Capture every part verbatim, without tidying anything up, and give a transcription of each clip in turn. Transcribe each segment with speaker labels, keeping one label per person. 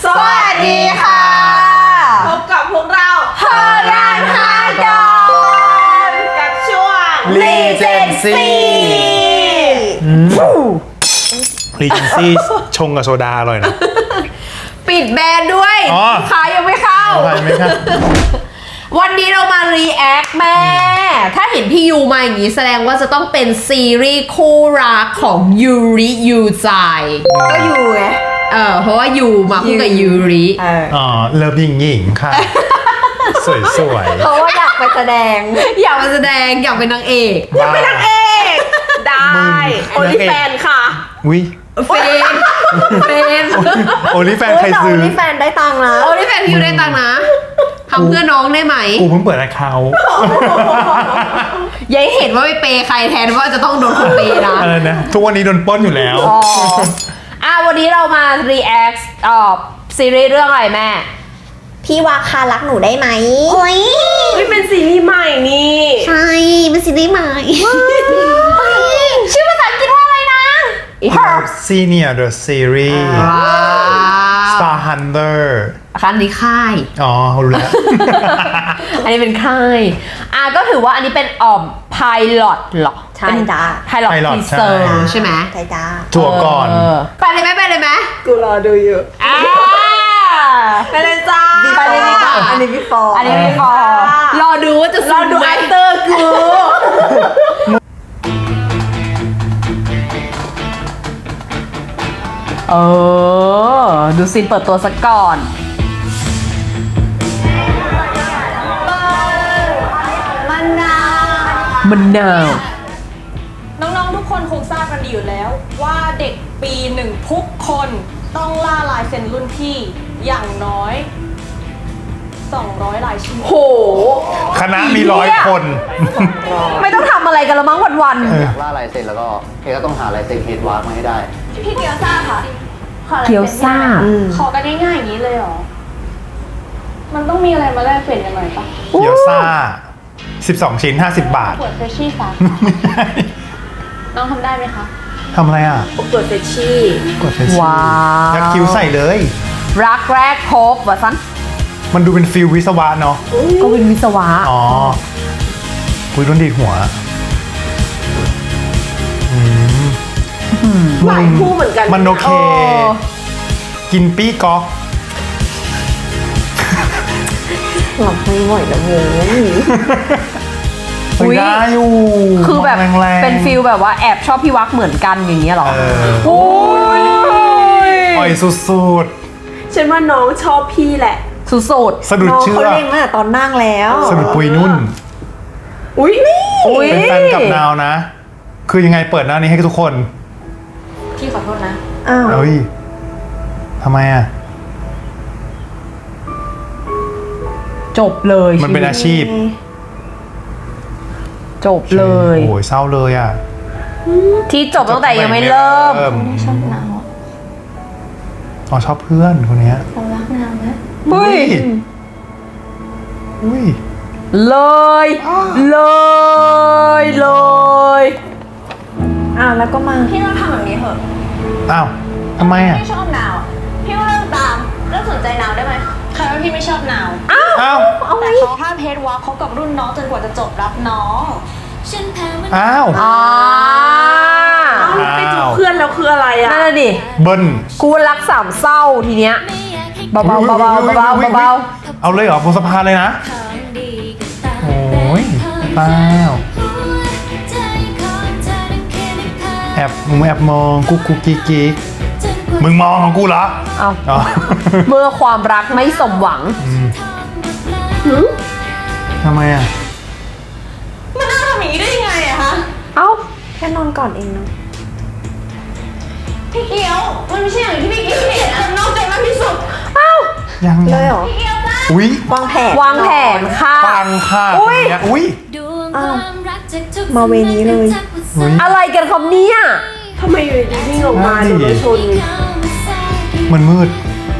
Speaker 1: สวัสดีค่ะพบกับพวกเราเฮยานฮากอนกับช่วง
Speaker 2: Regency Regency ชงกับโซดาอร่อยนะ
Speaker 1: ปิดแบรนด์ด้วยขายยังไม่เข้า
Speaker 2: ไม่เข้า
Speaker 1: วันนี้เรามา react แม่ ถ้าเห็นพี่ยูมาอย่างนี้แสดงว่าจะต้องเป็นซีรีส์คู่รักของยูริยูใจ
Speaker 3: ก็ยูไง
Speaker 1: เออเพราะว่ายูมาคู่กับยูริ
Speaker 2: อ๋อเลิฟหญิงหญิงค่ะ สวยสวย
Speaker 3: เพราะว่าอยากไปแสดง
Speaker 1: อยากไปแสดงอยากเป็นนางเอก
Speaker 3: อยากเป็นนางเอกได้โอลิแฟนค่ะ
Speaker 2: วิ
Speaker 1: เฟนเฟน
Speaker 2: โอลิแฟนใครซื้อ
Speaker 3: โอลิแฟนได้ตังค์นะ
Speaker 1: โอลิแฟนพี่ยูได้ตังค์นะทำเพื่อน้องได้ไหม
Speaker 2: กูเพิ่งเปิดแอคเคาท์
Speaker 1: ยัยเห็นว่าไปเปย์ใครแทนว่าจะต้องโดนคนเปย์นะ
Speaker 2: เออนะทุกวันนี้โดนปล้นอยู่แล้ว
Speaker 1: อ๋ออ่ะวันนี้เรามา react อ่อซีรีส์เรื่องอะไรแม่
Speaker 3: พี่วาคารักหนูได้ไหมโอ้ย
Speaker 1: นี่เป็นซีรีส์ใหม่นี่
Speaker 3: ใช่เป็นซีรีส์ใหม่
Speaker 1: ชื่อภาษาอังกฤษว่าอะไรนะ
Speaker 2: Senior the Series Star Hunter
Speaker 1: อันนี้ค่าย
Speaker 2: อ๋อรู้แล้ว
Speaker 1: อันนี้เป็นค่ายอ่ะก็ถือว่าอันนี้เป็นอ่อมไพลอตหรอ
Speaker 3: ใช่จ้า
Speaker 1: ไพลอตทีเซอร์ใช่ไหม
Speaker 3: ใช่จ้า
Speaker 2: จั่วก่อน
Speaker 1: ไปเลยไหมไปเลยไหม
Speaker 3: กูรอดูอยู่
Speaker 1: อ่าไปเลยจ้า
Speaker 3: ไปเลยดีกว่าอันนี้พี่ฟอร์
Speaker 1: อันนี้พี่ฟอร์รอดูว่าจะรอดูแอคเตอร์กูเออดูซีนเปิดตัวสักก่อน
Speaker 3: มันนาว
Speaker 1: มันนาว
Speaker 4: น้องๆทุกคนคงทราบกันดีอยู่แล้วว่าเด็กปีหนึ่งทุกคนต้องล่าลายเซ็นรุ่นพี่อย่างน้อยสองร้อยลายชื่อ
Speaker 1: โห
Speaker 2: คณะมีร้อยคน
Speaker 1: ไม่ต้องทำอะไรกันละมั้งวัน
Speaker 5: ๆอยากล่าลายเซ็นแล้วก็เฮก็ต้องหาลายเซ็นเฮดวาร์กมาให้ได้
Speaker 4: พี่เกียวซ่าค่ะ
Speaker 1: เกียวซ่า
Speaker 4: ขอกันง่ายๆอย่างนี้เลยเหรอมันต้องมีอะไรมาแลกเปลี่ยนกันหน่อยปะ
Speaker 2: เกียวซ่าสิบสองชิ้นห้าสิบบาท
Speaker 4: เปิดเฟชชี่สาน้องทำได้ไหมคะ
Speaker 2: ทำอะไรอ่ะ
Speaker 3: กดเฟชชี่
Speaker 2: กดเฟชชี่
Speaker 1: ว้าว
Speaker 2: ยักคิ้วใส่เลย
Speaker 1: รักแรกพบวะซัน
Speaker 2: มันดูเป็นฟิลวิศวะเนาะ
Speaker 1: ก็เป็นวิศวะ
Speaker 2: อ๋อคุยรุ่นดีหัว
Speaker 3: หลายคู่เหมือนกัน
Speaker 2: มันโอเคกินปี้ก๊อก
Speaker 3: หลับไม่ไหวแล้วเว้ย
Speaker 2: อุ้ยได้อยู่
Speaker 1: คือแบบเป็นฟิลแบบว่าแอบชอบพี่วักเหมือนกันอย่างเงี้ยหรอ
Speaker 2: โอ้ยอ่อยสุด
Speaker 3: ๆฉันว่าน้องชอบพี่แหละ
Speaker 1: สุด
Speaker 2: ๆสะดุดเชื่อ
Speaker 3: เขาเล่นมาตอนนั่งแล้ว
Speaker 2: สะดุดปุยนุ่น
Speaker 3: อุ้ยนี่
Speaker 2: เป็นแฟนกับนาวนะคือยังไงเปิดหน้านี้ให้ทุกคน
Speaker 4: พี่ขอโทษนะ
Speaker 3: อ้าว
Speaker 2: เฮ้ยทำไมอ่ะ
Speaker 1: จบเลย
Speaker 2: มันเป็นอาชีพ
Speaker 1: จบเลย
Speaker 2: โอ้ยเศร้าเลยอ่ะ
Speaker 1: ที่จบตั้งแต่ยังไม่เริ่ม
Speaker 4: ไม่ชอบนาว
Speaker 2: อ๋อชอบเพื่อนคนนี้
Speaker 4: เขารักนาวนะ
Speaker 1: เฮ้ย
Speaker 2: อุ้ย
Speaker 1: เลยเลยเลย
Speaker 3: อ้าวแล้วก็มา
Speaker 4: พี่ต้องทำแบบนี้เถอะ
Speaker 2: อ้าวทำไมอ่ะ
Speaker 4: พี่ชอบนาวพี่ก็เลิกตามเลิกสนใจนาวได้ไหมใครว่าพี่ไม่ชอบนาว
Speaker 1: อ้าว
Speaker 2: อ้าว
Speaker 4: แต่เขาห้ามเฮดวอล์กเขากับรุ่นน้องจนกว่าจะจบรับน้อง
Speaker 2: อ้าว
Speaker 1: อ้าว
Speaker 3: ไปจูบเพื่อนแล้วคืออะไรอ่ะ
Speaker 1: นั่นแหละดิ
Speaker 2: เบิ้ล
Speaker 1: กูรักสามเศร้าทีเนี้ยเบาๆเบาๆเบาๆเบาๆเบา
Speaker 2: ๆเอาเลยเหรอบนสะพานเลยนะโอ้ยเปล่าแอบมึงแอบมองกุ๊กกุ๊กกิ๊กกิ๊กมึงมองของกูเหรอ
Speaker 1: เอาเมื่อความรักไม่สมหวัง
Speaker 2: ทำไมอ่ะ
Speaker 4: มันน่าทำอย่างนี้ได้ยังไงอะคะ
Speaker 1: เอ้า
Speaker 3: แค่นอนก่อนเองเนาะ
Speaker 4: พี่เกียวมันไม่ใช่อย่างที่พี่เกียวเห็นนะนอกใจมากที่สุด
Speaker 1: เอ้า
Speaker 2: ยัง
Speaker 3: เลยเหรอ
Speaker 4: พี่เกียวจ้า
Speaker 2: อุ้ยว
Speaker 3: างแผน
Speaker 1: วางแผนค่ะ
Speaker 2: ฟังค่ะอุ้ยอุ้ย
Speaker 3: มาเวนี้เลย
Speaker 1: อะไรกันครับเนี่ย
Speaker 3: ทำไมอยู่ดีวิ่งออกมาโดนชน
Speaker 2: มันมืด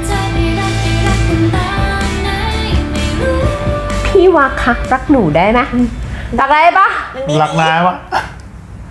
Speaker 1: พี่วักคะรักหนูได้ไหมรักได้ปะ
Speaker 2: รักนายวะ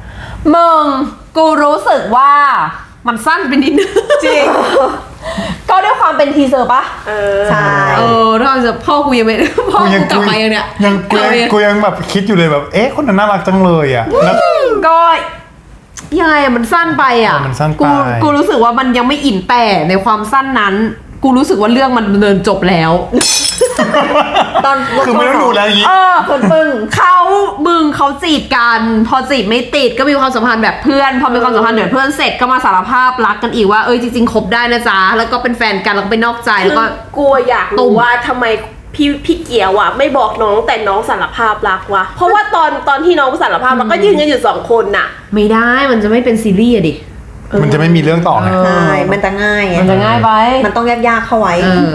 Speaker 1: มึงกูรู้สึกว่ามันสั้นไปนิดนึง
Speaker 3: จริง
Speaker 1: ก็ก็ด้วยความเป็นทีเซอร์ปะ
Speaker 3: เออ
Speaker 6: ใช่
Speaker 1: เออถ้าจะพ่อกูยังไม่พ่อ
Speaker 2: กู
Speaker 1: กู
Speaker 2: ยัง
Speaker 1: กลับมายังเนี่ย
Speaker 2: ยังกู
Speaker 1: กลับ
Speaker 2: ยัง
Speaker 1: มายัง
Speaker 2: กูยังแบบคิดอยู่เลยแบบเอ๊ะคนนั้นน่ารักจังเลยอ่ะแล้ว
Speaker 1: ก็ยังไงอะมันสั้นไปอ่ะ
Speaker 2: เออมันสั้นไป
Speaker 1: กูกูรู้สึกว่ามันยังไม่อิ่มแต่ในความสั้นนั้น กูรู้สึกว่าเรื่องมันดำเนินจบแล้ว
Speaker 6: ตอน
Speaker 2: คือไม่ต้องดูแล้วอย่างงี้
Speaker 1: เออคนปึ้งเขามึงเขาจีบกัน พอจีบไม่ติดก็มีความสัมพันธ์แบบเพื่อน พอมีความสัมพันธ์แบบเพื่อนเสร็จก็มาสารภาพรักกันอีกว่าเอ้ยจริงๆคบได้นะจ๊ะแล้วก็เป็นแฟนกันแล้วก็ไปนอกใจแล้วก็
Speaker 3: กลัวอยากรู้ว่าทำไมพี่พี่เกียวอ่ะไม่บอกน้องแต่น้องสารภาพรักวะเพราะว่าตอนตอนที่น้องสารภาพรักก็ยืนกันอยู่สองคนน่ะ
Speaker 1: ไม่ได้มันจะไม่เป็นซีรีส์อะดิ
Speaker 2: มันจะไม่มีเรื่องต่อไง
Speaker 6: ใช่มันจะง่ายไง
Speaker 1: มันจะง่ายไป
Speaker 6: มันต้องยากๆเข้าไว้
Speaker 1: เออ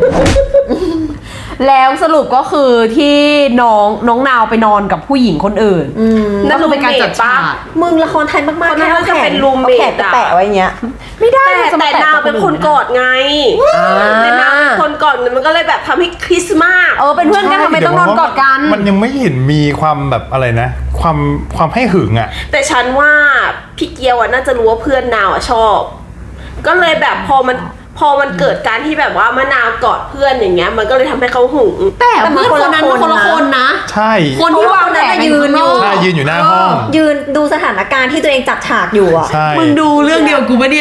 Speaker 1: แล้วสรุปก็คือที่น้องน้องนาวไปนอนกับผู้หญิงคนอื่น
Speaker 6: อืม
Speaker 1: นั่นคือเป็นการจัดฉาก
Speaker 6: มึงละครไทยมากๆ
Speaker 3: คนนั้น
Speaker 6: แค่เอา
Speaker 3: จะ
Speaker 6: แข
Speaker 3: เป็น น roommate
Speaker 6: อาแขนไปแปะไว้อย่างเงี้ย
Speaker 1: ไม่ได้
Speaker 3: แต่
Speaker 1: มันจะม
Speaker 3: แต่
Speaker 1: ะ
Speaker 3: นาวเป็นคนกอดไง
Speaker 1: อ่า
Speaker 3: แต่นาวเป็นคนกอดมันก็เลยแบบทำให้คริสต์มาส
Speaker 1: เออเป็นเพื่อนกันทำไมต้องนอนกอดกัน
Speaker 2: มันยังไม่เห็นมีความแบบอะไรนะ ความความให้หึงอ่ะ
Speaker 3: แต่ฉันว่าพี่เกียวอ่ะน่าจะรู้ว่าเพื่อนนาวอ่ะชอบ ก็เลยแบบพอมันพอมันเกิดการที่แบบว่ามะนาวกอดเพื่อนอย่างเงี้ย มันก็เลยทำให้เขาหึง
Speaker 1: แต่เพื่อนคนนั้นมันคนละคนนะ
Speaker 2: ใช่
Speaker 1: คนที่วางแผน
Speaker 6: ยืนอยู่
Speaker 2: ใช่ยืนอยู่หน้าห้อง
Speaker 6: ยืนดูสถานการณ์ที่ตัวเองจัดฉากอยู่อ่ะ
Speaker 2: ใช่
Speaker 1: มึงดูเรื่องเดียวกูปะเนี่ย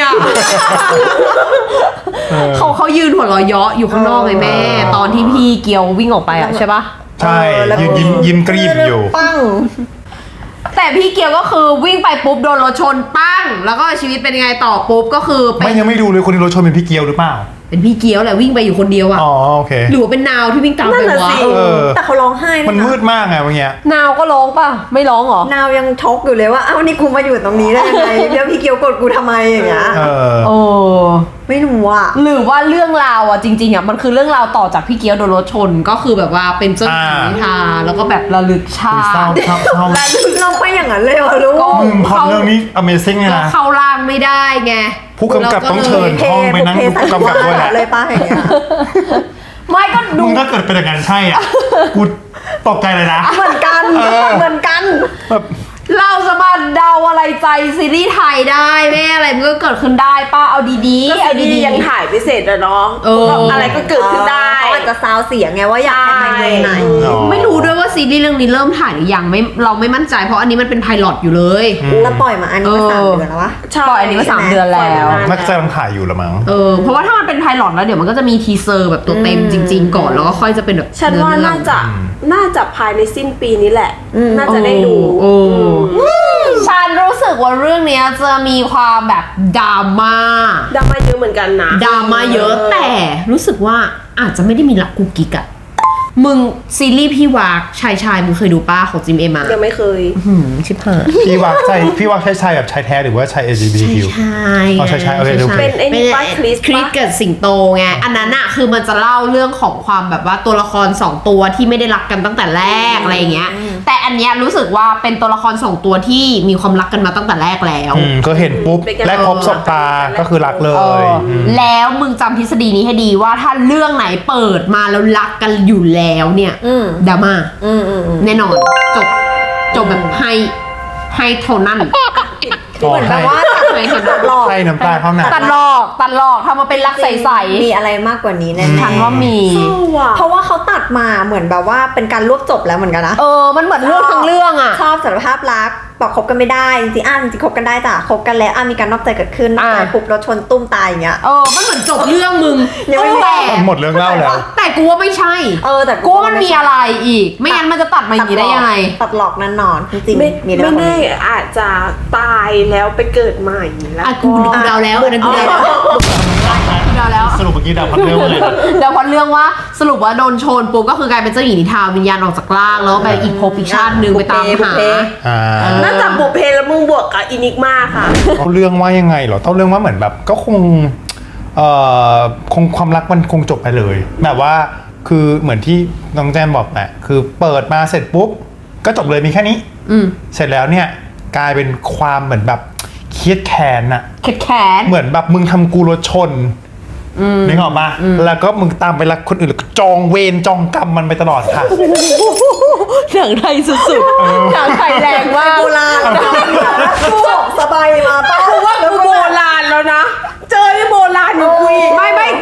Speaker 2: เออ
Speaker 1: เขาเขายืนหัวเราะเยาะอยู่ข้างนอกไงแม่ ตอนที่พี่เกียววิ่งออกไปอะใช่ปะ
Speaker 2: ใช่
Speaker 6: เออแล้ว
Speaker 2: ยืนยิ้มยิ้มกรีบอยู่
Speaker 6: ปั้ง
Speaker 1: แต่พี่เกียวก็คือวิ่งไปปุ๊บโดนรถชนปั้ง แล้วก็ชีวิตเป็นยังไงต่อปุ๊บก็คือเป็
Speaker 2: ไม่
Speaker 1: น
Speaker 2: ยังไม่ดูเลยคนที่รถชนเป็นพี่เกียวหรือเปล่า
Speaker 1: เป็นพี่เกียวแหละวิ่งไปอยู่คนเดียวอะ
Speaker 2: อ๋อโอเค
Speaker 1: หรือว่าเป็นนาวที่วิ่งตามไป
Speaker 3: นั่นน่ะ
Speaker 1: วะ
Speaker 3: สิ
Speaker 2: เออ
Speaker 6: แต่เขาร้องไห้ด้วยะ
Speaker 2: มันมืดมากไงเมื่อกี้
Speaker 1: นาวก็ร้องป่ะไม่ร้องเหรอ
Speaker 6: นาวยังช็อกอยู่เลยว่าอ้าวนี่กูมาอยู่ตรงนี้ได้ยังไงแล้วพี่เกียวกดกูทำไมอย่างเงี้ย
Speaker 2: เออ
Speaker 1: โอ้
Speaker 6: ไม่รู้อ่ะ
Speaker 1: หรือว่าเรื่องราวอ่ะจริงๆอ่ะมันคือเรื่องราวต่อจากพี่เกียวโดนรถชนก็คือแบบว่าเป็นเจ้าหญิงนิทราแล้วก็แบบระลึกชา
Speaker 2: เศร้า
Speaker 1: ติ
Speaker 2: เศร้าเศร้า
Speaker 6: เราไปอย่างนั้นเลยเหรอลูก
Speaker 2: มึงพอดเรื่องนี้ Amazing เลย
Speaker 1: ก็
Speaker 2: นะ
Speaker 1: เข้าร่างไม่ได้ไง
Speaker 2: ผู้กำกับต้องเชิญ
Speaker 6: เท
Speaker 2: ห้องไปนั่ง
Speaker 6: บุพ
Speaker 2: ดู
Speaker 6: เพสัน
Speaker 2: ผู้
Speaker 6: นิ
Speaker 2: กำกับ
Speaker 6: วา
Speaker 2: ด้วยแหละ
Speaker 6: สเลยป้าอย่างเงี้ย
Speaker 1: ไม่ก็ดู
Speaker 2: มึงถ้าเกิดเป็นอย่างนั้นใช่อ่ะ กูตกใจเลยนะ
Speaker 6: เหมือนกัน
Speaker 2: เออ
Speaker 6: เหมือนกัน
Speaker 2: แบบ
Speaker 1: เราจะมาเดาอะไรใจซีรีส์ไทยได้แม่อะไรมันก็เกิดขึ้นได้ป้าเอาดี
Speaker 3: ก็
Speaker 1: ๆเอา
Speaker 3: ซีรี
Speaker 1: ดี
Speaker 3: ส์ยังถ่ายไม่เสร็จอะเนาะ
Speaker 1: เออ
Speaker 3: อะไรก็เกิดขึ้นได้
Speaker 6: เขาอาจจะซาวเสียงไงว่าอยากให้ไปไหน
Speaker 2: อ๋อ
Speaker 1: ๆไม่รู้ด้วยว่าซีรีส์เรื่องนี้เริ่มถ่ายหรือยังไม่เราไม่มั่นใจเพราะอันนี้มันเป็นไพลอตอยู่เลย
Speaker 6: แล้วปล่อยมาอันนี้มาสามเดือนแล้ววะ
Speaker 1: ปล่อยอันนี้มาสามเดือนแล้ว
Speaker 2: นักแสดงถ่ายอยู่ละมั้ง
Speaker 1: เออเพราะว่าถ้ามันเป็นไพลอตแล้วเดี๋ยวมันก็จะมีทีเซอร์แบบตัวเต็มจริง ๆ ก่อนแล้วก็ค่อยจะเป็นแบบ
Speaker 3: ฉันว่า
Speaker 1: เรื่อง
Speaker 3: น่าจะ
Speaker 2: อืม
Speaker 3: น่าจะภายในสิ้นปีนี้แหละ น่าจะได้ดู
Speaker 1: โอ้โอ้ฉันรู้สึกว่าเรื่องเนี้ยจะมีความแบบดราม่า
Speaker 3: ดราม่าเยอะเหมือนกันนะ
Speaker 1: ดราม่าเยอะแต่รู้สึกว่าอาจจะไม่ได้มีรักกุกกิกอะมึงซีรีส์พี่วากชายชายมึงเคยดูป้าของจิมเอมา
Speaker 3: ยังไม่เคย
Speaker 1: หืมชิบหาย
Speaker 2: พี่วักใช่พี่วักใช่ชายแบบชายแท้หรือว่าชาย แอล จี บี ที คิว
Speaker 1: ใช่
Speaker 2: อ๋อใช่ใช่โอเคโอเค
Speaker 3: เป็นไอ้นี่ป้าคริส
Speaker 1: คริส
Speaker 3: ปะ
Speaker 1: เกิดสิงโตไงอันนั้นอะคือมันจะเล่าเรื่องของความแบบว่าตัวละครสองตัวที่ไม่ได้รักกันตั้งแต่แรกอะไรอย่างเงี้ย แต่อันเนี้ยรู้สึกว่าเป็นตัวละครสองตัวที่มีความรักกันมาตั้งแต่แรกแล้ว
Speaker 2: อืมก็เห็นปุ๊บแรกพบศบตาก็คือรักเล
Speaker 1: เอย อ
Speaker 2: ม
Speaker 1: แล้วมึงจำทฤษฎีนี้ให้ดีว่าถ้าเรื่องไหนเปิดมาแล้วรักกันอยู่แล้วเนี่ย
Speaker 6: อืม
Speaker 1: ดราม่า
Speaker 6: อืมอืมอืม
Speaker 1: แน่นอนจบจบแบบให้ให้เท่านั้น
Speaker 2: อ๋อ
Speaker 6: เหมือนแบบว่า
Speaker 1: ให้เท่า
Speaker 6: ตั
Speaker 1: นั้น
Speaker 6: ดหลอก
Speaker 2: ให้น้ำตาเข้าหนัก
Speaker 1: ตัดหลอกตัดหลอกทำมาเป็นรักใส
Speaker 6: มีอะไรมากกว่านี้แน่
Speaker 1: ๆฉันว่ามี
Speaker 3: เศร้าว่ะ
Speaker 6: เพราะว่าเขาตัดมาเหมือนแบบว่าเป็นการรวบจบแล้วเหมือนกันนะ
Speaker 1: เออมันเหมือนเรื่องทั้งเรื่องอ่ะ
Speaker 6: ชอบสารภาพรักบอกคบกันไม่ได้จริงๆอ่ะจริงๆคบกันได้จ้ะคบกันแล้วอ่ะมีการนอกใจเกิดขึ้นนอกใจ
Speaker 1: อ่ะ
Speaker 6: ปุ๊บรถชนตุ้มตายอย่างเงี้ย
Speaker 1: เออมันเหมือนจบเรื่องมึง
Speaker 6: ยังไม่
Speaker 1: แต่
Speaker 2: หมดเรื่องเล่าแล้ว
Speaker 1: แต่กูว่าไม่ใช่
Speaker 6: เออแต่
Speaker 1: กูว่ามันมีอะไรอีก ไม่งั้นมันจะตัดมาอย่างนี้ได้ยังไง
Speaker 6: ตัดหลอกแน่นอนจริง
Speaker 3: ไม่
Speaker 6: ๆมี
Speaker 3: ไม่
Speaker 6: เรื่อง
Speaker 3: แน่อาจจะตายแล้วไปเกิดใหม่แล้ว
Speaker 1: อ่ะกูกูเดาแล้วอันนั้นกูเดาแล้วกูเดาแล้ว
Speaker 2: สรุปเมื่อกี้ดาวพัดเรื่องว่าไง
Speaker 1: เดาพอดเรื่องว่าสรุปว่าโดนชนปุ๊บก็คือกลายเป็นเจ้าหญิงนิทราวิญญาณออกจากร่างแล้วไปอีกภพอีกชาติหนึ่งไปตามหา
Speaker 2: อ่า
Speaker 3: น่าจะบุพเพแล้วมึงบวกกับอินิกมาค่ะ
Speaker 2: เอาเรื่องว่ายังไงเหรอเต้าเรื่องว่าเหมือนแบบก็คงเอ่อคงความรักมันคงจบไปเลย แบบว่าคือเหมือนที่น้องแจมบอกแหละคือเปิดมาเสร็จปุ๊บก็จบเลยมีแค่นี้
Speaker 1: อืม
Speaker 2: เสร็จแล้วเนี่ยกลายเป็นความเหมือนแบบเครียดแค้นอะ
Speaker 1: แขนแขน
Speaker 2: เหมือนแบบมึงทำกูรถชนนึกออกปะแล้วก็มึงตามไปรักคนอื่นแล้วก็จองเวรจองกรรมมันไปตลอดค่ะ
Speaker 1: หนังไทยสุดๆหนังไทยแรงมาก
Speaker 6: โบราณกูสบายมาป้า
Speaker 3: กูว่ากูโบราณแล้วนะ เจอไอ้โบราณอยู่กูอีก
Speaker 1: ไม่ไม่จ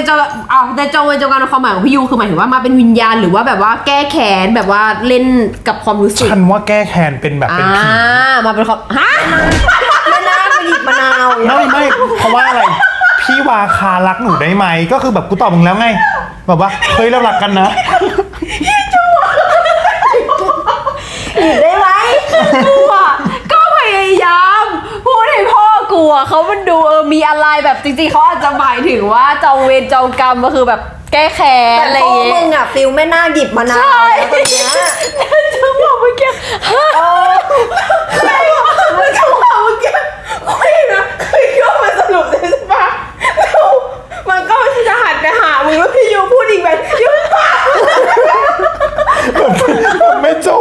Speaker 1: เจ้าเอาแต่จองเวรจองกรรมในความหมายของพี่ยูคือหมายถึงว่ามาเป็นวิญญาณหรือว่าแบบว่าแก้แค้นแบบว่าเล่นกับความรู้สึก
Speaker 2: ฉันว่าแก้แค้นเป็นแบบเป็นผี
Speaker 1: อ่ามาเป็นความฮะ
Speaker 6: ไม่น่าไปหยิบมะนาว
Speaker 2: ไม่ไม่เพราะว่าอะไร พี่วาคารักหนูได้ไหมก็คือแบบกูตอบมึงแล้วไงแบบว่าเฮ้ยเรารักกันนะ
Speaker 6: หยิบได้ไหม
Speaker 1: กูอ่ะก็พยายามพูดให้พ่อกูอ่ะเขามันดูเออมีอะไรแบบจริงๆเขาอาจจะหมายถึงว่าจองเวรจองกรรมก็คือแบบแก้แค้น
Speaker 6: แต่
Speaker 1: อะไรอ
Speaker 6: พ่อย่าง
Speaker 1: เงี้
Speaker 6: มึ
Speaker 1: ย
Speaker 6: งอ่ะฟิลไม่น่าหยิบมะนาว
Speaker 1: ใช่
Speaker 6: แล้วตอนเนี้ย
Speaker 1: จังหวะเมื่อกี้ฮะ
Speaker 6: เออ
Speaker 3: ใช่มันจังหวะเมื่อกี้คุยนะคือโยกมันสรุปเลยใช่ปะแล้วมันก็จะหันไปหามึงแล้วพี่ยูพูดอีกแบบยู
Speaker 2: แบบไม่จบ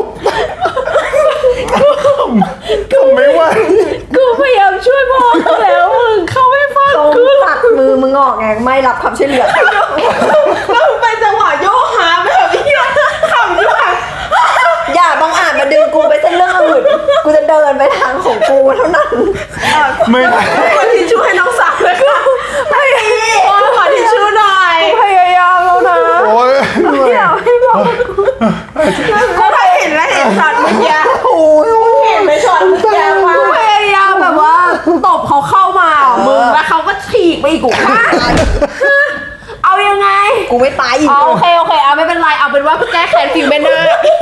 Speaker 2: ก็ไม่ไหว
Speaker 1: กูพยายามช่วยพ่อเขาแล้วมึงเขาไม่ฟัง
Speaker 6: เขา
Speaker 1: กู
Speaker 6: ตัดมือมึงออกไงไม่รับความช่วยเหลือ
Speaker 3: แล้วมันเป็นจังหวะโยกหาแบบนี้ขำด้วย
Speaker 6: อย่าบังอาจมาดึงกูไปเส้นเรื่องอื่นกูจะเดินไปทางของกูเท่านั้น
Speaker 2: ไม่ได้
Speaker 3: ขอทิชชู่ให้น้องสาวเลยค่ะไม่ดีขอทิชชู่หน่อย
Speaker 1: พยายามแล้วนะ
Speaker 2: โอ้ย
Speaker 1: อยากให้บอก
Speaker 3: ก็เคยเห็นแล้วเห็นช็อตเมื่อกี้โอ้ยเห็นไหมช็อตเมื่อกี้ว่า
Speaker 1: พยายามแบบว่าตบเขาเข้ามามึงแล้วเขาก็ฉีกไปอีกกูฮะเอายังไง
Speaker 6: กูไม่ตายอีก
Speaker 1: อ๋อโอเคโอเคเอาไม่เป็นไรเอาเป็นว่าแก้แค้นฟิลไม่น่า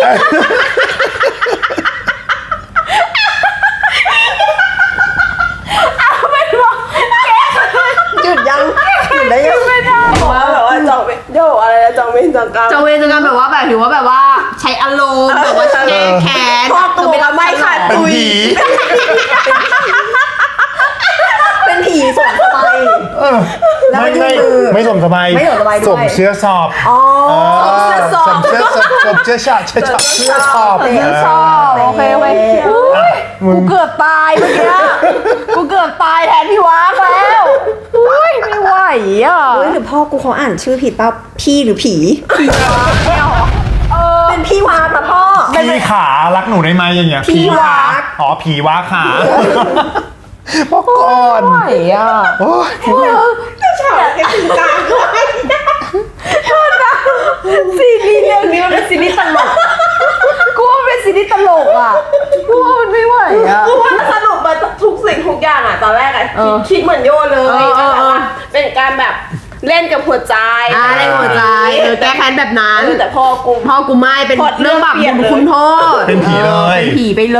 Speaker 1: เอาเป็นว่าแก้แค้น
Speaker 6: หยุดยังหยุดได้ยัง
Speaker 1: ไม่ได้
Speaker 3: ว่าแบบว่าจองเป็นโยกอะไรนะจองเป็นจองกรรม
Speaker 1: จะเวรจะกันแบบว่าแบบถือว่าแบบว่าใช้อารมณ์แบบว่าแก้แค้น
Speaker 3: พ่อกูบอกว่าไม่ค่ะ
Speaker 2: เป็น
Speaker 3: ตุย
Speaker 2: ผี
Speaker 6: เป็นผีสมสบาย
Speaker 2: เออ
Speaker 6: แล้ว
Speaker 2: ไม่
Speaker 6: ไม่
Speaker 2: ไม่
Speaker 6: ยืน
Speaker 2: ไม่สมสบาย
Speaker 6: ไม่สมสบายด้วย
Speaker 2: สมเชื้อสอบ
Speaker 6: อ๋อ
Speaker 2: เออสมเชื้อสอบสมเชื้อชาติเชื้อชอบเชื้อสอบ
Speaker 6: เชื้อ
Speaker 1: ชอบโอเคโอเคอุ๊ย
Speaker 2: มึ
Speaker 1: กู
Speaker 2: ง
Speaker 1: เกือบตายเมื่อกี้กูเกือบตายแทนพี่วากแล้วอุ้ยไม่ไหวอ่ะ
Speaker 6: เฮ้ยหรือพ่อกูเขาอ่านชื่อผิดป่ะพี่หรือผี
Speaker 1: เออ
Speaker 6: เป็นพี่วาป่ะพ่อ
Speaker 2: พี่ขารักหนูได้ไหมอย่างเงี้ย
Speaker 6: ผีวาก
Speaker 2: อ๋อผีวาขาพ่อก่อน
Speaker 1: ไม่ไหวอ่ะ
Speaker 2: โอ้ย
Speaker 3: ฉากกันถึงกลางด้วย
Speaker 1: ซีรีส์เรื่องนี้มันเป็นซีรีส์ตลกกูว่ามันเป็นซีรีส์ตลกอ่ะกูว่ามันไม่ไหวอ่ะ
Speaker 3: คือว่าสรุปมาทุกสิ่งทุกอย่างอะตอนแรกอะ
Speaker 1: เออ
Speaker 3: คิดเหมือนโยเลย
Speaker 1: เออเออเออ
Speaker 3: เป็นการแบบเล่นกับหัวใจ
Speaker 1: อ่าในหัวใจเออแก้แค้นแบบนั้น
Speaker 3: เออแต่พอกู
Speaker 1: พ่อกูไม่เป็น
Speaker 3: พล็อตเรื่
Speaker 1: เรื่อ
Speaker 3: อง ง
Speaker 1: แบบ
Speaker 3: เปลี่ยนเลย
Speaker 1: คุณโทษ
Speaker 2: เป็นผีเลย
Speaker 1: เป็นผีไปเลย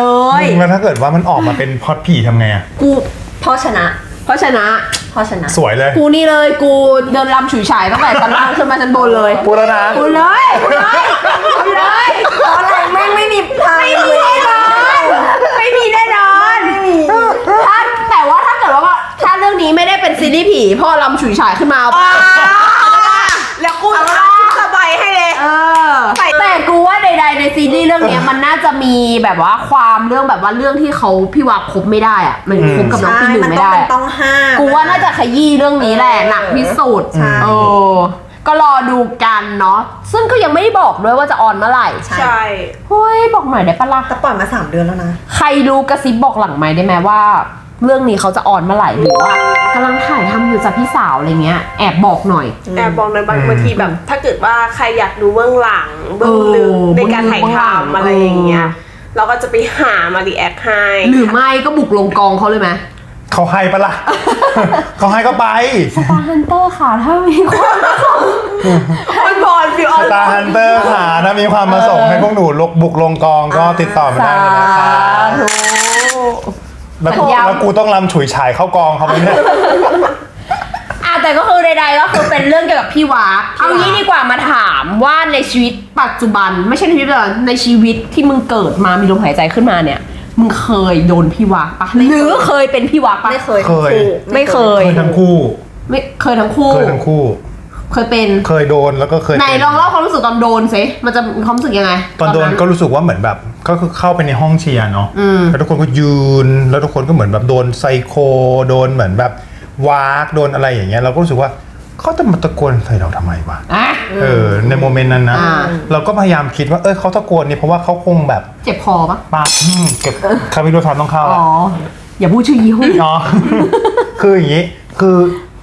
Speaker 2: แล้วถ้าเกิดว่ามันออกมาเป็นพล็อดผีทำไงอะ
Speaker 1: กู
Speaker 6: พ่อชนะ
Speaker 1: เพราะชนะ
Speaker 6: พ่อชนะ
Speaker 2: สวยเลย
Speaker 1: กูนี่เลยกูเดินลำฉุยฉายตั้งแต่ชั้นล่างขึ้นมาชั้นบนเลย
Speaker 2: พูดแล้วนะ
Speaker 1: กูเลยกูเลยกูเลย
Speaker 6: ตอนแรกแม่งไม่มีทาง
Speaker 1: ไม่มีแน่นอนไม่มีแน่นอนถ้าแต่ว่าถ้าเกิดว่าถ้าเรื่องนี้ไม่ได้เป็นซีรีส์ผีพ่อลำฉุยฉายขึ้นมาเอาปะ
Speaker 3: แล้วกู
Speaker 1: เอา
Speaker 3: จะ
Speaker 1: ละ
Speaker 3: สบายให้เลย
Speaker 1: เออแต่กูว่าใดๆในซีรีส์เรื่องเนี้ยมันน่าจะมีแบบว่าความเรื่องแบบว่าเรื่องที่เขาพี่วาคบไม่ได้อะมันคบกับน้อง
Speaker 6: ใช่
Speaker 1: พี่หนึ่ง
Speaker 6: มัน
Speaker 1: ไม่
Speaker 6: ต้อง
Speaker 1: ได้
Speaker 6: เป็นต้องห้าม
Speaker 1: กูว่าน่าจะขยี้เรื่องนี้แหละหนักที่สุด
Speaker 6: ใช่
Speaker 1: เออก็รอดูกันเนาะซึ่งก็ยังไม่ได้บอกด้วยว่าจะออนเมื่อไหร่
Speaker 6: ใช่
Speaker 3: ใช่
Speaker 1: เฮ้ยบอกหน่อยได้ปะล่ะ
Speaker 6: แต่ปล่อยมาสามเดือนแล้วนะ
Speaker 1: ใครรู้กระซิบบอกหลังไหมค์ได้ไหมว่า เรื่องนี้เขาจะออนเมื่อไหร่หรือว่ากำลังถ่ายทำอยู่จากพี่สาวอะไรเงี้ยแอบบอกหน่อย
Speaker 3: แต่บอกเลยบาง
Speaker 2: อืม
Speaker 3: บางทีแบบ ถ้าเกิดว่าใครอยากดูเบื้องหลังเบื้องลึก
Speaker 1: เออ
Speaker 3: ในการถ่าย
Speaker 1: เบื้องหลัง
Speaker 3: ทำอะไรอย่างเงี้ยเราก็จะไปหามารีแอคให้
Speaker 1: หรือไม่ก็บุกลงกองเขาเลยไหม
Speaker 2: เขาให้ปะล่ะ เขาให้ก็ไป
Speaker 1: สตาร์ฮันเตอร์ค่ะถ้ามีความ
Speaker 3: คนบอลฟิวอ
Speaker 2: ส
Speaker 3: อน
Speaker 2: ตาร์ฮันเตอร์ค่ะถ้ามีความประสงค์ให้พวกหนูลกบุกลงกองก็ติดต่อมาได้เลยนะคะ
Speaker 1: ธุ
Speaker 2: แล้ว
Speaker 1: สัญญา
Speaker 2: แล้วกูต้องรำฉุยฉายเข้ากองเขาไหมเนี่ย
Speaker 1: อ่ะแต่ก็คือใดๆก็คือเป็นเรื่องเกี่ยวกับพี่วากเอางี้ดีกว่ามาถามว่าในชีวิตปัจจุบัน ไม่ใช่ในชีวิตปัจจุบันในชีวิตที่มึงเกิดมามีลมหายใจขึ้นมาเนี่ย มึงเคยโดนพี่วากปะหรือเคยเป็นพี่วากปะ
Speaker 6: ไม่เคย
Speaker 2: เคย
Speaker 1: ไม่เคย
Speaker 2: เคยทั้งคู่
Speaker 1: ไม่เคยทั้งคู่
Speaker 2: เคยทั้งคู่
Speaker 1: เคยเป็น
Speaker 2: เคยโดนแล้วก็เคย
Speaker 1: ไหน
Speaker 2: เป็น
Speaker 1: ลองเล่าความรู้สึกตอนโดนสิมันจะมีความรู้สึกยังไง
Speaker 2: ตอนโดนก็รู้สึกว่าเหมือนแบบก็คือเข้าไปในห้องเชียร์เนาะ
Speaker 1: อืม
Speaker 2: แล้วทุกคนก็ยืนแล้วทุกคนก็เหมือนแบบโดนไซโคโดนเหมือนแบบวากโดนอะไรอย่างเงี้ยเราก็รู้สึกว่าเขาจะมาตะโกนใส่เราทำไมวะ
Speaker 1: อ่ะ
Speaker 2: เออในโมเมนต์นั้นนะ
Speaker 1: อ่า
Speaker 2: เราก็พยายามคิดว่าเออเขาตะโกนเนี่ยเพราะว่าเขาคงแบบ
Speaker 1: เจ็บคอปะ
Speaker 2: ปากอืมเก็บคาร์บิโดทานต้องเข้า
Speaker 1: อ๋
Speaker 2: อะ
Speaker 1: ออย่าพูดชื่อยี่ห้อ
Speaker 2: อ๋อ คืออย่างนี้คือ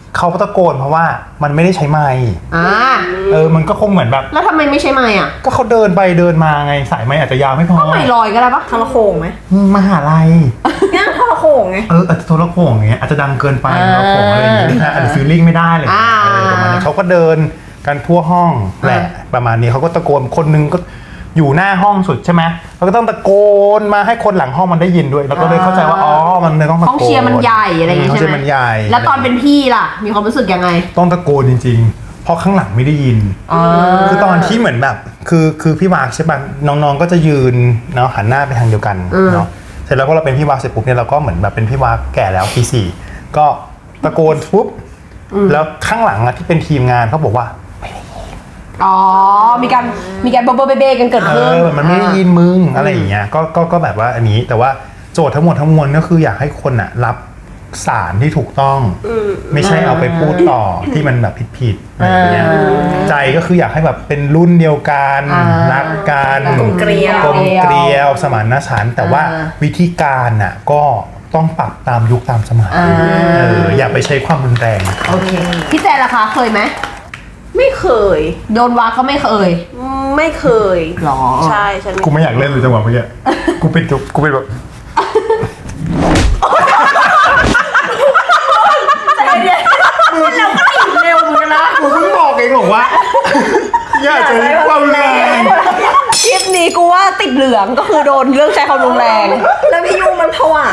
Speaker 2: เขาตะโกนเพราะว่ามันไม่ได้ใช้ไมค์
Speaker 1: อ่า
Speaker 2: เออมันก็คงเหมือนแบบ
Speaker 1: แล้วทำไมไม่ใช่ไม้อ่ะ
Speaker 2: ก็เขาเดินไปเดินมาไงสายไมค์อาจจะยาวไม่พอ
Speaker 1: ก็ไม่ลอยก็ได้ปะ
Speaker 6: ทรโขงไหม
Speaker 2: อืมมหาลัย
Speaker 6: เนี่ยทรโขงไง
Speaker 2: เอออาจจะโทรโขงอย่างเงี้ยอาจจะดังเกินไป
Speaker 1: อ่า
Speaker 2: โทรโขงอะไรอย่างเงี้ยนะอาจจะฟีลลิ่งไม่ได้เลย
Speaker 1: อ่า
Speaker 2: เออประมาณนี้เขาก็เดินกันทั่วห้องแหละ
Speaker 1: อ่า
Speaker 2: ประมาณนี้เขาก็ตะโกนคนนึงก็อยู่หน้าห้องสุดใช่ไหมเราก็ต้องตะโกนมาให้คนหลังห้องมันได้ยินด้วยแล้วก็เลยเข้าใจว่าอ๋อมันเลยต้องตะโกน
Speaker 1: ห้องเชียร์มันใหญ่อะไรอย่างงี้
Speaker 2: ห้อง
Speaker 1: ใช่
Speaker 2: เชีย
Speaker 1: ไหม
Speaker 2: ร์มันใหญ่
Speaker 1: แล้วตอนเป็นพี่ล่ะ มีความรู้สึกยังไง
Speaker 2: ต้องตะโกนจริงๆ เพราะข้างหลังไม่ได้ยิน
Speaker 1: อ่า
Speaker 2: คือตอนที่เหมือนแบบคือคือพี่วากใช่ป่ะน้องๆก็จะยืนเนาะหันหน้าไปทางเดียวกันเนาะเสร็จแล้วพอเราเป็นพี่วากเสร็จปุ๊บเนี่ยเราก็เหมือนแบบเป็นพี่วากแก่แล้วปีสี่ก็ตะโกนปุ๊บแล้วข้างหลังอะที่เป็นทีมงานเขาบอกว่า
Speaker 1: อ๋อ มีการมีการเบอร์เบเบ้กันเกิด
Speaker 2: เอ
Speaker 1: ขึ้น
Speaker 2: อมันไม่ได้ยินมึงอะไรอย่างเงี้ยก็ก็ก็แบบว่าอันนี้แต่ว่าโจทย์ทั้งหมดทั้งมวลก็คืออยากให้คนอะรับสารที่ถูกต้องไม่ใช่เอาไปพูดต่อที่มันแบบผิดๆอะไรอย่างเงี้ยใจก็คืออยากให้แบบเป็นรุ่นเดียวกัน
Speaker 1: อ่า
Speaker 2: รักกัน
Speaker 6: กลมเกลียว
Speaker 2: กลมเกลียวสมานฉันท์แต่ว่า
Speaker 1: อ่า
Speaker 2: วิธีการน่ะก็ต้องปรับตามยุคตามสมัย
Speaker 1: อ่า
Speaker 2: เอออย่าไปใช้ความรุนแรง
Speaker 1: โอเค พี่แจนล่ะคะเคยไหม
Speaker 3: ไม่เคย
Speaker 1: โดนวาเขาไม่เคย
Speaker 3: ไม่เคย
Speaker 1: หรอ
Speaker 3: ใช่ฉัน
Speaker 2: กูไม่อยากเล่นเลยจังหวะเมื่อกี้กูเป็นจุกกูเป็นแบบมึงเราก็ติดเร็วเหมือนกันนะกูเพิ่งบอกเองบอกว่าอย่าใช้ความแรง
Speaker 1: คลิปนี้กูว่าติดเหลืองก็คือโดนเรื่องใช้ความรุนแรง
Speaker 6: แล้วพี่ยูมันผวา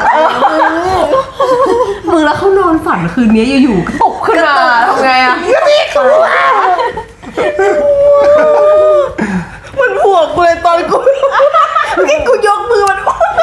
Speaker 1: มึงแล้วเขานอนฝันคืนนี้อยู่ๆก็ตกขึ้นมาทำไงอะ
Speaker 3: มันบวกกูเลยตอนกูเมื่อกี้กูยกมือมัน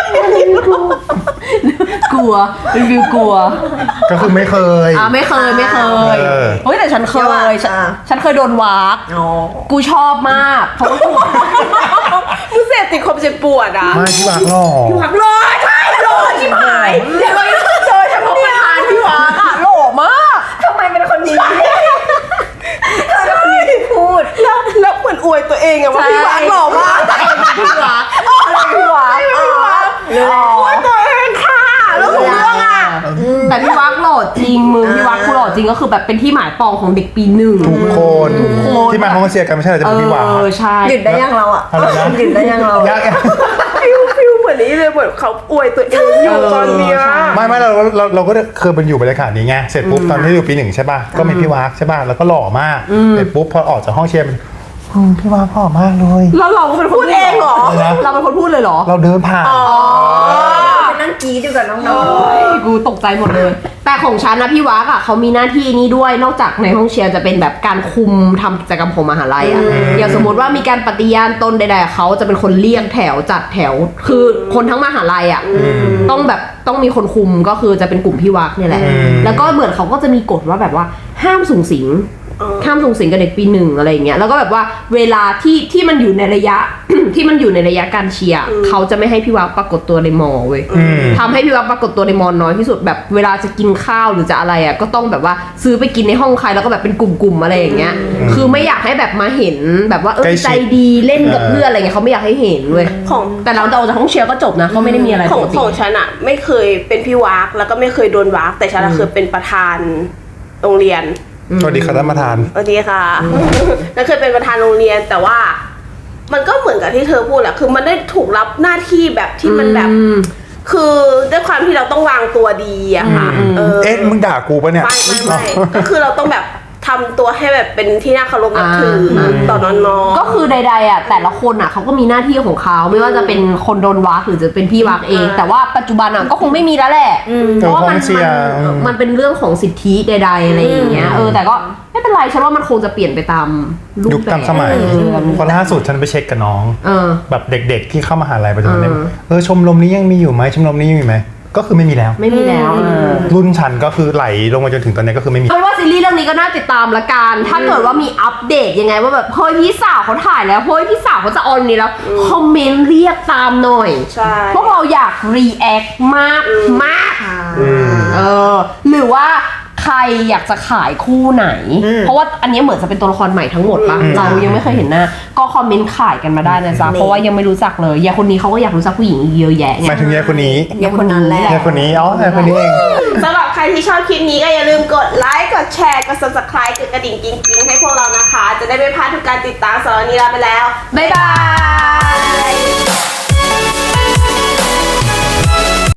Speaker 1: กลัวเป็นวิวกลัว
Speaker 2: ก็คือไม่เคย
Speaker 1: อ่าไม่เคยไม่เคย
Speaker 2: เออ
Speaker 1: เฮ้ยแต่ฉันเคยฉันฉันเคยโดนวาก
Speaker 6: อ๋อ
Speaker 1: กูชอบมากเพราะว่ากู
Speaker 3: มึงเสพติดความเจ็บปวดอ่ะ
Speaker 2: ไม่ที่วางหรอ
Speaker 3: หักลอยใช่ลอยชิบหายเดี๋ยวมันเจอเฉพาะประธานพี่วา
Speaker 1: อ่ะหล่อมาก
Speaker 6: ทำไมเป็นคนนี้ทำไมเป็นคนนี้ที่พูด
Speaker 3: แล้วแล้วเหมือนอวยตัวเองอะว่าพี่วาหล่อมาก
Speaker 1: พี่วากอะไรพี่วาก
Speaker 3: พี่วาอวยตัวเองค่ะแล้วถูกเรื่องอะ
Speaker 1: แต่พี่วากหล่อจริงมึงพี่วากกูหล่อจริงก็คือแบบเป็นที่หมายปองของเด็กปีหนึ่ง
Speaker 2: ทุกคน
Speaker 1: ทุกคน
Speaker 2: ที่มาห้องเชียร์กันไม่ใช่เหรอจะ
Speaker 1: เอ
Speaker 2: เป็นพี่วาง
Speaker 1: อใช่
Speaker 6: หยุดได้ยังเราอ่ะ
Speaker 2: อะไรนะ
Speaker 6: หยุดได้ยังเรา
Speaker 2: ยาก
Speaker 3: ฟิวฟิวเหมือนนี้เลยเหมือนเขาอวยตัวเองอยู่ตอนเนี้ย
Speaker 2: ไม่ไม่เราเราเราก็เคยเป็นอยู่บรรยากาศนี้ไงเสร็จปุ๊บตอนที่อยู่ปีหนึ่งใช่ป่ะก็มีพี่วากใช่ป่ะแล้วก็หล่อมากเสร็จปุ๊บพอออกจากห้องเชียร์เป็นอืมพี่วากหล่อมากเลย
Speaker 1: แล้วเราก็เป็นคน
Speaker 3: พูดเองเหรอ
Speaker 2: อะไรนะ
Speaker 1: เราเป็นคนพูดเลยเหรอ
Speaker 2: เราเดินผ่าน
Speaker 6: ไปนั่งกรี๊ดอยู่กับน้อง
Speaker 1: กูตกใจหมดเลย แต่ของฉันนะพี่วักอ่ะเขามีหน้าที่นี้ด้วยนอกจากในห้องเชียร์จะเป็นแบบการคุมทำกิจกรรมของมหาลัยอ่ะอย่างสมมติว่ามีการปฏิญาณตนใดๆเขาจะเป็นคนเรียงแถวจัดแถว คือคนทั้งมหาลัยอ่ะต้องแบบต้องมีคนคุมก็คือจะเป็นกลุ่มพี่วักเนี่ยแหละ
Speaker 2: อืม
Speaker 1: แล้วก็เหมือนเขาก็จะมีกฎว่าแบบว่าห้ามสูงสิง ห้ามส่งสิงกับเด็กปีหนึ่งอะไรอย่างเงี้ยแล้วก็แบบว่าเวลาที่ที่มันอยู่ในระยะ ที่มันอยู่ในระยะการเชียร์เขาจะไม่ให้พี่วักปรากฏตัวในมอเว้ย
Speaker 2: อืม
Speaker 1: ทำให้พี่วักปรากฏตัวในมอน้อยที่สุดแบบเวลาจะกินข้าวหรือจะอะไรอ่ะก็ต้องแบบว่าซื้อไปกินในห้องใครแล้วก็แบบเป็นกลุ่มๆอะไรอย่างเงี้ยคือไม่อยากให้แบบมาเห็นแบบว่าเออ
Speaker 2: ใกล้ชิด
Speaker 1: ใจดีเล่นกับเพื่อนอะไรเงี้ยเขาไม่อยากให้เห็นเว้ย
Speaker 3: ของ
Speaker 1: แต่เราเราจากห้องเชียร์ก็จบนะเขาไม่ได้มีอะไร
Speaker 3: ข
Speaker 1: ป
Speaker 3: อง
Speaker 1: กติ
Speaker 3: ของฉันอะไม่เคยเป็นพี่วากแล้วก็ไม่เคยโดนวากแต่ฉันอะเคยเป็นประธานโรงเรียน
Speaker 2: สวัสดีครับท่านประธาน
Speaker 3: สวัสดีค่ะ แล้วเคยเป็นประธานโรงเรียนแต่ว่า มันก็เหมือนกับที่เธอพูดแหละคือมันได้ถูกรับหน้าที่แบบที่มันแบบ
Speaker 1: อืม
Speaker 3: คือด้วยความที่เราต้องวางตัวดีอะค่ะ
Speaker 1: อืม
Speaker 3: เออ
Speaker 2: เอ๊ะมึงด่ากูปะเนี่ย
Speaker 3: ไม่ไม่ไม่ก็คือเราต้องแบบทำตัวให้แบบเป็นที่น่าเคารพนับถืออา ต่อน้องๆ
Speaker 1: ก็คือใดๆอ่ะแต่ละคนอ่ะเขาก็มีหน้าที่ของเขาไม่ว่าจะเป็นคนโดนวักหรือจะเป็นพี่วักเอง
Speaker 3: อ่า
Speaker 1: แต่ว่าปัจจุบันอ่ะก็คงไม่มีแล้วแหละเพราะว่ามัน
Speaker 2: เออห้องเชียร์
Speaker 1: มัน
Speaker 2: อืม
Speaker 1: มันเป็นเรื่องของสิทธิใด ๆอะไรอย่างเงี้ยเออแต่ก็ไม่เป็นไรฉันว่ามันคงจะเปลี่ยนไปตามรู
Speaker 2: ยุ
Speaker 1: ป
Speaker 2: ค
Speaker 1: แบบ
Speaker 2: ตามสมัย
Speaker 1: เออ
Speaker 2: เพราะล่าสุดฉันไปเช็คกับน้อง
Speaker 1: เออ
Speaker 2: แบบเด็กๆที่เข้ามหาลัยปัจจุบันเนี่ย
Speaker 1: เออ
Speaker 2: เออชมรมนี้ยังมีอยู่ไหมชมรมนี้ยังมีไหมก็คือไม่มีแล้ว
Speaker 1: ไม่มีแล้วเออ
Speaker 2: รุ่นฉันก็คือไหลลงมาจนถึงตอนนี้ก็คือไม่มี
Speaker 1: เอาเป็นว่าซีรีส์เรื่องนี้ก็น่าติดตามละกัน ถ้าเกิดว่ามีอัปเดตยังไงว่าแบบเฮ้ยพี่สาวเขาถ่ายแล้วเฮ้ยพี่สาวเขาจะออนนี้แล้ว คอมเมนต์เรียกตามหน่อย
Speaker 3: ใช่
Speaker 1: พวกเราอยากรีแอคมากมาก เออ หรือว่าใครอยากจะขายคู่ไหน เพราะว่าอันนี้เหมือนจะเป็นตัวละครใหม่ทั้งหมดปะ
Speaker 2: อืม
Speaker 1: เรายังไม่เคยเห็นหน้า ก็คอมเมนต์ขายกันมาได้นะจ๊ะ เพราะว่ายังไม่รู้จักเลยยายคนนี้เขาก็อยากรู้จักผู้หญิงอีกเยอะแยะ
Speaker 2: ห
Speaker 1: ไง
Speaker 2: มายถึงยายคนนี้
Speaker 1: ยายคนนั้นแหละ
Speaker 2: ยายคนนี้อ๋อยายคนนี้เอง
Speaker 3: สำหรับใครที่ชอบคลิปนี้ก็อย่าลืมกดไลค์กดแชด ซับสไครบ์ กดกระดิ่งกิ๊งๆให้พวกเรานะคะ จะได้ไม่พลาดทุกการติดตามสำหรับวันนี้ลาไปแล้ว
Speaker 1: บ๊ายบาย